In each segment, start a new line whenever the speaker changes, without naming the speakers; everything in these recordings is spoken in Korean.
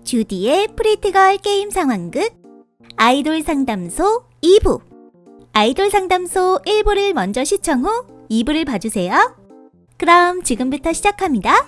주디의 프리티걸 게임 상황극 아이돌 상담소 2부. 아이돌 상담소 1부를 먼저 시청 후 2부를 봐주세요. 그럼 지금부터 시작합니다.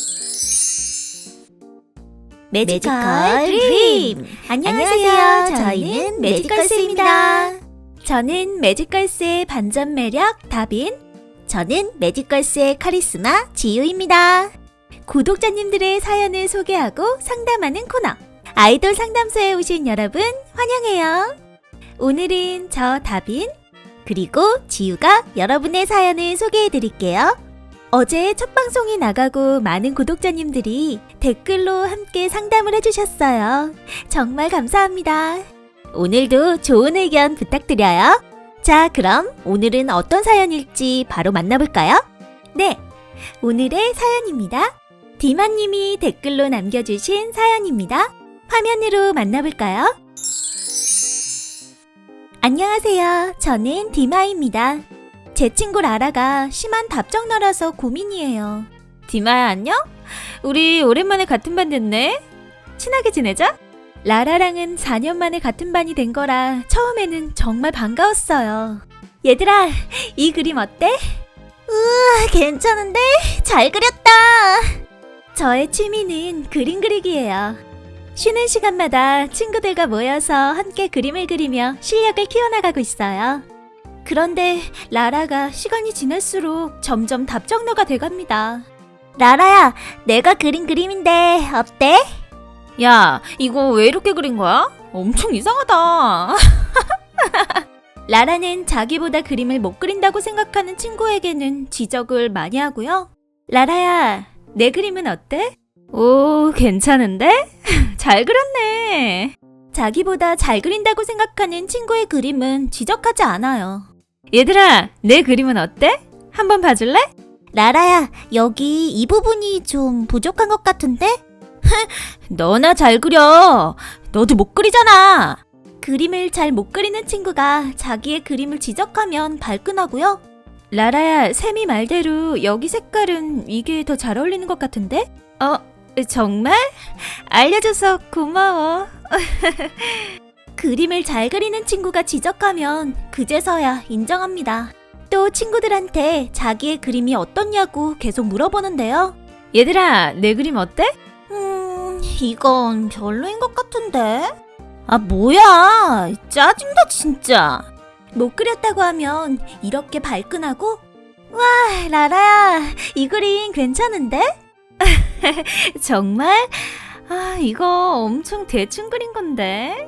매지컬 드림! 안녕하세요. 저희는 매지컬스입니다. 저는 매지컬스의 반전 매력 다빈, 저는 매지컬스의 카리스마 지유입니다. 구독자님들의 사연을 소개하고 상담하는 코너 아이돌 상담소에 오신 여러분 환영해요. 오늘은 저 다빈 그리고 지유가 여러분의 사연을 소개해드릴게요. 어제 첫 방송이 나가고 많은 구독자님들이 댓글로 함께 상담을 해주셨어요. 정말 감사합니다. 오늘도 좋은 의견 부탁드려요. 자, 그럼 오늘은 어떤 사연일지 바로 만나볼까요? 네, 오늘의 사연입니다. 디마님이 댓글로 남겨주신 사연입니다. 화면으로 만나볼까요? 안녕하세요. 저는 디마입니다. 제 친구 라라가 심한 답정너라서 고민이에요. 디마야, 안녕? 우리 오랜만에 같은 반 됐네? 친하게 지내자? 라라랑은 4년 만에 같은 반이 된 거라 처음에는 정말 반가웠어요. 얘들아, 이 그림 어때? 우와, 괜찮은데? 잘 그렸다! 저의 취미는 그림 그리기예요. 쉬는 시간마다 친구들과 모여서 함께 그림을 그리며 실력을 키워나가고 있어요. 그런데 라라가 시간이 지날수록 점점 답정너가 돼갑니다. 라라야, 내가 그린 그림인데 어때? 야, 이거 왜 이렇게 그린 거야? 엄청 이상하다. 라라는 자기보다 그림을 못 그린다고 생각하는 친구에게는 지적을 많이 하고요. 라라야, 내 그림은 어때? 오, 괜찮은데? 잘 그렸네. 자기보다 잘 그린다고 생각하는 친구의 그림은 지적하지 않아요. 얘들아, 내 그림은 어때? 한번 봐줄래? 라라야, 여기 이 부분이 좀 부족한 것 같은데? 너나 잘 그려. 너도 못 그리잖아. 그림을 잘 못 그리는 친구가 자기의 그림을 지적하면 발끈하고요. 라라야, 쌤이 말대로 여기 색깔은 이게 더 잘 어울리는 것 같은데? 정말? 알려줘서 고마워. 그림을 잘 그리는 친구가 지적하면 그제서야 인정합니다. 또 친구들한테 자기의 그림이 어떻냐고 계속 물어보는데요. 얘들아, 내 그림 어때? 이건 별로인 것 같은데? 아, 뭐야. 짜증나 진짜. 못 그렸다고 하면 이렇게 발끈하고, 와, 라라야, 이 그림 괜찮은데? 정말? 아, 이거 엄청 대충 그린 건데?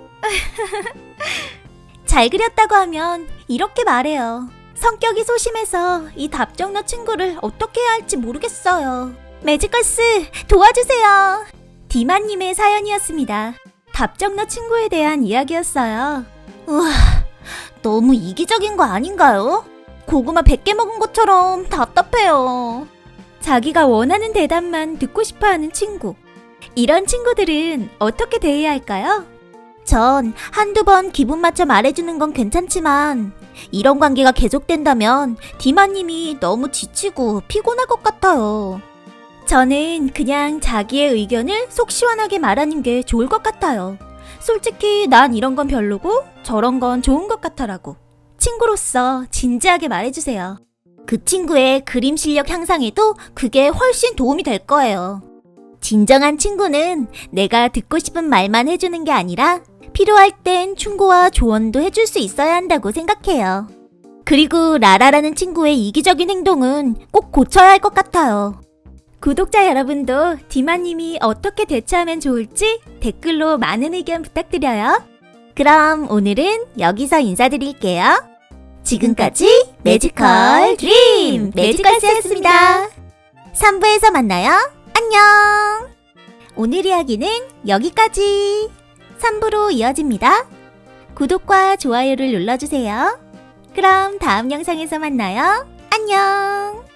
잘 그렸다고 하면 이렇게 말해요. 성격이 소심해서 이 답정너 친구를 어떻게 해야 할지 모르겠어요. 매지컬스, 도와주세요. 디마님의 사연이었습니다. 답정너 친구에 대한 이야기였어요. 우와, 너무 이기적인 거 아닌가요? 고구마 100개 먹은 것처럼 답답해요. 자기가 원하는 대답만 듣고 싶어하는 친구. 이런 친구들은 어떻게 대해야 할까요? 전 한두 번 기분 맞춰 말해주는 건 괜찮지만 이런 관계가 계속된다면 디마님이 너무 지치고 피곤할 것 같아요. 저는 그냥 자기의 의견을 속 시원하게 말하는 게 좋을 것 같아요. 솔직히 난 이런 건 별로고 저런 건 좋은 것 같아라고. 친구로서 진지하게 말해주세요. 그 친구의 그림 실력 향상에도 그게 훨씬 도움이 될 거예요. 진정한 친구는 내가 듣고 싶은 말만 해주는 게 아니라 필요할 땐 충고와 조언도 해줄 수 있어야 한다고 생각해요. 그리고 라라라는 친구의 이기적인 행동은 꼭 고쳐야 할 것 같아요. 구독자 여러분도 디마님이 어떻게 대처하면 좋을지 댓글로 많은 의견 부탁드려요. 그럼 오늘은 여기서 인사드릴게요. 지금까지 매지컬 드림 매지컬스였습니다. 3부에서 만나요. 안녕. 오늘 이야기는 여기까지. 3부로 이어집니다. 구독과 좋아요를 눌러주세요. 그럼 다음 영상에서 만나요. 안녕.